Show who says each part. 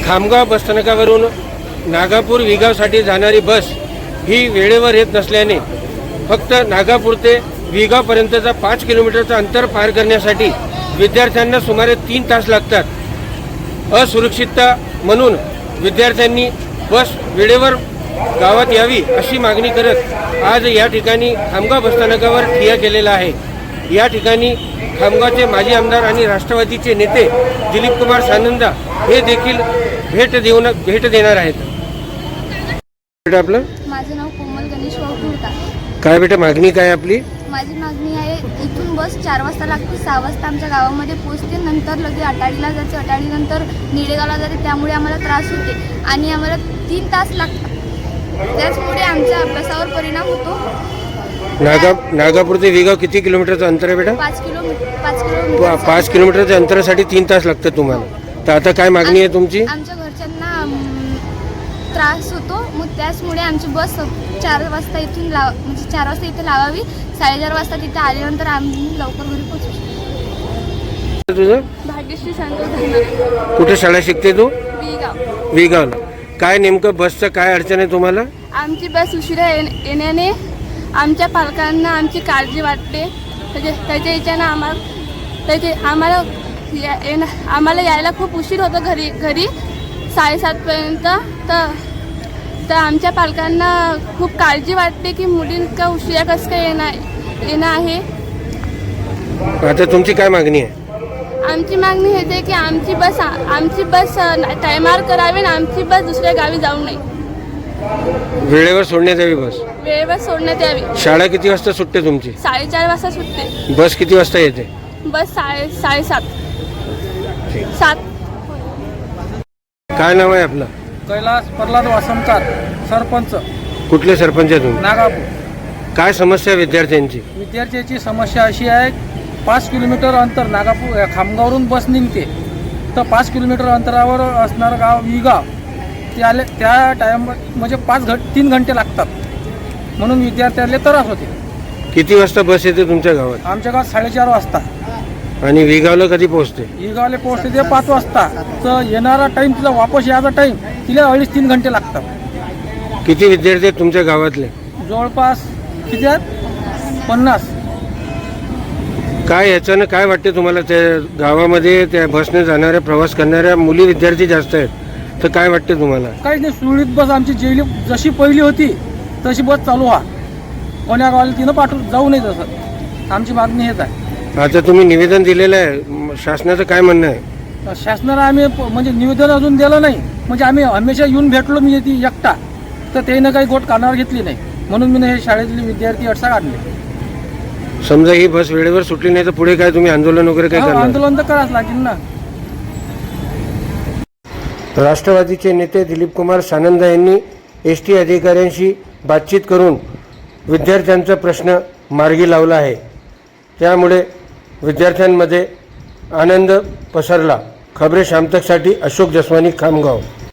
Speaker 1: खामगाव बसस्थानकावरून नागापूर विगावसाठी जाणारी बस ही वेळेवर येत नसल्याने फक्त नागापूर ते विगावपर्यंतचा 5 किलोमीटरचं अंतर पार करण्यासाठी विद्यार्थ्यांना सुमारे 3 तास लागतात। असुरक्षितता म्हणून विद्यार्थ्यांनी बस वेळेवर गावात यावी अशी मागणी करत आज या ठिकाणी खामगाव बसस्थानकावर ठिय्या केलेला आहे। या ठिकाणी खामगावचे माजी आमदार आणि राष्ट्रवादीचे नेते दिलीप कुमार सानंदा हे देखील भेट देणार आहेत। बेटा आपलं
Speaker 2: माझं नाव कोमल गणेश वाघुरकर।
Speaker 1: काय बेटा मागणी काय आपली?
Speaker 2: माझी मागणी आहे, इथून बस 4 वाजता लागते, 6 वाजता आमच्या गावामध्ये पोहोचते, नंतर लगे अटाडीला जाते, अटाडीनंतर निडेगावला जाते, त्यामुळे आम्हाला त्रास होते आणि आम्हाला 3 तास लागतात। त्याचमुळे आमच्या अभ्यासावर परिणाम होतो।
Speaker 1: नागापूर ते विगाव किती किलोमीटरचं अंतर आहे बेटा?
Speaker 2: 5 किलोमीटर
Speaker 1: 5 किलोमीटरच्या अंतरासाठी 3 तास लागतात तुम्हाला। तर आता काय मागणी आहे तुमची?
Speaker 2: आमच्या घरच्यांना त्रास होतो, मग त्याचमुळे आमची बस 4 वाजता इथून म्हणजे 4 वाजता इथे लावावी, 4:30 वाजता तिथे आल्यानंतर आम्ही लवकर घरी पोहोचू शकतो।
Speaker 1: तुझं
Speaker 2: भाग्यश्री संतोष धर्मारे।
Speaker 1: कुठे शाळा शिकते तू?
Speaker 2: विगाव।
Speaker 1: विगावला। काय नेमकं बसचं काय अडचण आहे तुम्हाला?
Speaker 2: आमची बस उशिरा येण्याने आमच्या पालकांना आमची काळजी वाटते। त्याच्या याच्यानं आम्हाला यायला खूप उशीर होतो घरी 7:30पर्यंत। तर आमच्या पालकांना खूप काळजी वाटते की मुलींका उशिरा कसं काय येणं आहे।
Speaker 1: आता तुमची काय मागणी आहे?
Speaker 2: आमची मागणी हेच आहे की आमची बस टायमार करावी आणि आमची बस दुसऱ्या गावी जाऊ नये।
Speaker 1: वेळेवर सोडण्यात यावी बस?
Speaker 2: वेळेवर सोडण्यात यावी।
Speaker 1: शाळा किती वाजता सुटते तुमची?
Speaker 2: 4:30 वाजता सुटते।
Speaker 1: बस किती वाजता येते?
Speaker 2: बस 7:30 7।
Speaker 1: काय नाव आहे आपलं?
Speaker 3: कैलास प्रल्हाद वासमकार, सरपंच।
Speaker 1: कुठले सरपंच आहे तुम्ही?
Speaker 3: नागापूर।
Speaker 1: काय समस्या आहे विद्यार्थ्यांची?
Speaker 3: विद्यार्थ्याची समस्या अशी आहे, 5 किलोमीटर अंतर नागापूर खामगावरून बस निघते, तर 5 किलोमीटर अंतरावर असणारं गाव विगाव त्या टाइम म्हणजे 3 घंटे लागतात, म्हणून विद्यार्थ्याला त्रास होते।
Speaker 1: किती वाजता बस येते तुमच्या गावात?
Speaker 3: आमच्या गावात 4:30 वाजता।
Speaker 1: आणि विगावला कधी पोहोचते?
Speaker 3: विगावला पोहोचते ते 5 वाजता। तर येणारा टाईम तिला वापस यायचा टाईम तिला 2.5-3 घंटे लागतात।
Speaker 1: किती विद्यार्थी आहेत तुमच्या गावातले?
Speaker 3: जवळपास किती आहेत? 50।
Speaker 1: काय याच्यानं काय वाटते तुम्हाला? त्या गावामध्ये त्या बसने जाणाऱ्या प्रवास करणाऱ्या मुली विद्यार्थी जास्त आहेत, तर काय वाटते तुम्हाला?
Speaker 3: काहीच नाही, सुरळीत बस आमची जशी पहिली होती तशी बस चालू व्हा, कोण्या गावाला तिनं पाठवून जाऊ नये, तसं आमची मागणी हेच आहे।
Speaker 1: आता तुम्ही निवेदन दिलेलं आहे, शासनाचं काय म्हणणं आहे?
Speaker 3: शासनाला आम्ही म्हणजे निवेदन अजून दिलं नाही, म्हणजे आम्ही हमेशा येऊन भेटलो, मी ती एकटा, तर त्यानं काही गोट कानावर घेतली नाही, म्हणून मी हे शाळेतले विद्यार्थी अडसा काढले।
Speaker 1: समजा ही बस वेळेवर सुटली नाही तर पुढे काय तुम्ही आंदोलन वगैरे काय करणार?
Speaker 3: आंदोलन तर करावंच लागेल ना।
Speaker 1: राष्ट्रवादीचे नेते दिलीप कुमार सानंदा यांनी ST अधिकाऱ्यांशी बातचीत करून विद्यार्थ्यांचा प्रश्न मार्गी लावला आहे। त्यामुळे विद्यार्थ्यांमध्ये आनंद पसरला। खबरे शामतकसाठी अशोक जसवानी, खामगाव।